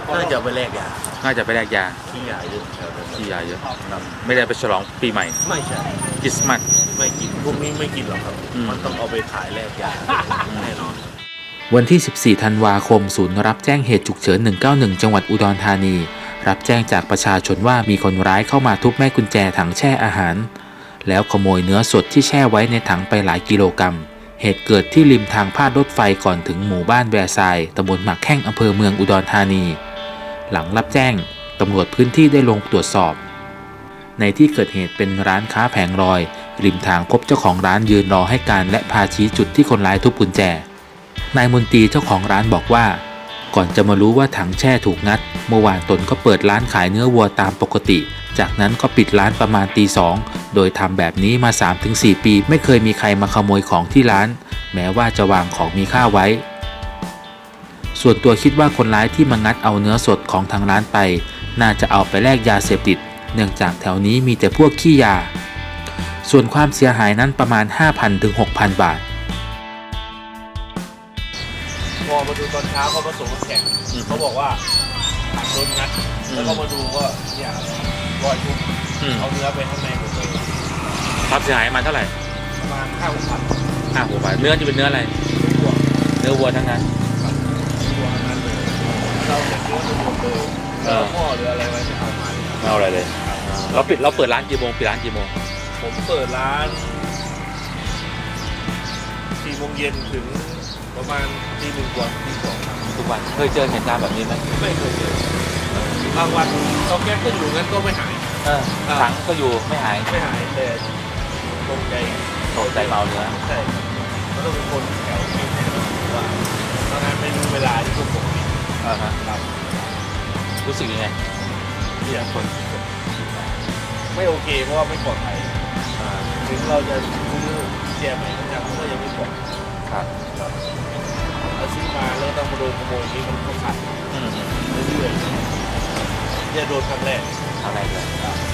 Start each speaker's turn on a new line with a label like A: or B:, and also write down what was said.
A: น่าจะไปแลกยา
B: น่าจะไปแลกยา
A: ที่ยาเยอะแถวนั้น
B: ที่ยาเยอะ
A: ครับ
B: ไม่ได้ไปฉลองปีใหม่
A: ไม่ใช่
B: คริสต์มาส
A: ไม่กินพวกนี้ไม่กินหรอกครับ
B: อืม
A: มันต้องเอาไปขายแลกยาแน่นอน
B: วันที่ 14 ธันวาคม ศูนย์รับแจ้งเหตุฉุกเฉิน 191 จังหวัดอุดรธานี รับแจ้งจากประชาชนว่ามีคนร้ายเข้ามาทุบแม่กุญแจถังแช่อาหาร แล้วขโมยเนื้อสดที่แช่ไว้ในถังไปหลายกิโลกรัม เหตุเกิดที่ริมทางพาดรถไฟก่อนถึงหมู่บ้านแวร์ไซน์ตำบลหมักแข้งอำเภอเมืองอุดรธานี หลังรับแจ้งตำรวจพื้นที่ได้ลงตรวจสอบ ในที่เกิดเหตุเป็นร้านค้าแผงลอย ริมทางพบเจ้าของร้านยืนรอให้การและพาชี้จุดที่คนร้ายทุบกุญแจ นายมนตรีเจ้าของร้านบอกว่า ก่อนจะมารู้ว่าถังแช่ถูกงัด เมื่อวานตนก็เปิดร้านขายเนื้อวัวตามปกติ จากนั้นก็ปิดร้านประมาณตี 2โดยทำแบบนี้มา 3-4 ปีไม่เคยมีใครมาขโมยของที่ร้าน แม้ว่าจะวางของมีค่าไว้ ส่วนตัวคิดว่าคนร้ายที่มางัดเอาเนื้อสดของทางร้านไป น่าจะเอาไปแลกยาเสพติด เนื่องจากแถวนี้มีแต่พวกขี้ยา ส่วนความเสียหายนั้นประมาณ 5,000 ถึง 6,000 บาท
A: พอมาดูตอนเช้าเขามาส่งน้ำแข็งเขาบอกว่าโดนงัด แล้วก็มาดูว่าเนี่ยรอยทุบเอาเนื้อไปข้างในหมดเลย
B: ความเสียหายมาเท่าไหร่
A: ประมาณ5-6,000
B: 5-6 บาท เนื้อจะเป็นเนื้ออะไร
A: ตัว
B: เนื้อวัวทั้งนั้น
A: ตัวนั้นเลยเราเก็บเนื้อไปหมดเลยแล้วพ่อหรืออะไรไว้ไม่เอามาเลยครับ
B: ไม่เอาอะไรเลย เราเปิดร้านกี่โมงปิดร้านกี่โมง
A: ผมเปิดร้าน4 โมงเย็นถึงประมาณตี 1 กว่าตี 2 ครับ
B: ทุกวันเคยเจอเหตุการณ์แบบนี้ไหม
A: ไม่เคยเจอบางวันเตาแก๊สก็อยู่งั้นก็ไม่หาย
B: ถังก็อยู่ไม่หาย
A: ไม่หายแต่ตรงใจ
B: ตกใจเมาเนื้อ
A: ใช่ก็ต้องเป็นคนแถวนี้แน่นอนว่าทำงานไม่รู้เวลาที่พวกผมมี ครับ
B: รู้สึกยังไง
A: เนี่ยคนไม่โอเคเพราะว่าไม่ปลอดภัยถึงเราจะซื้อแจใหม่ก็ยังไม่ปลอด
B: ครับ
A: ครับเราซื้อมาแล้วต้องมาโดนขโมยนี้มันก็ขาดเรื่อยๆเนี่ยโดนครั้งแรก
B: อะไรเลย
A: ครับ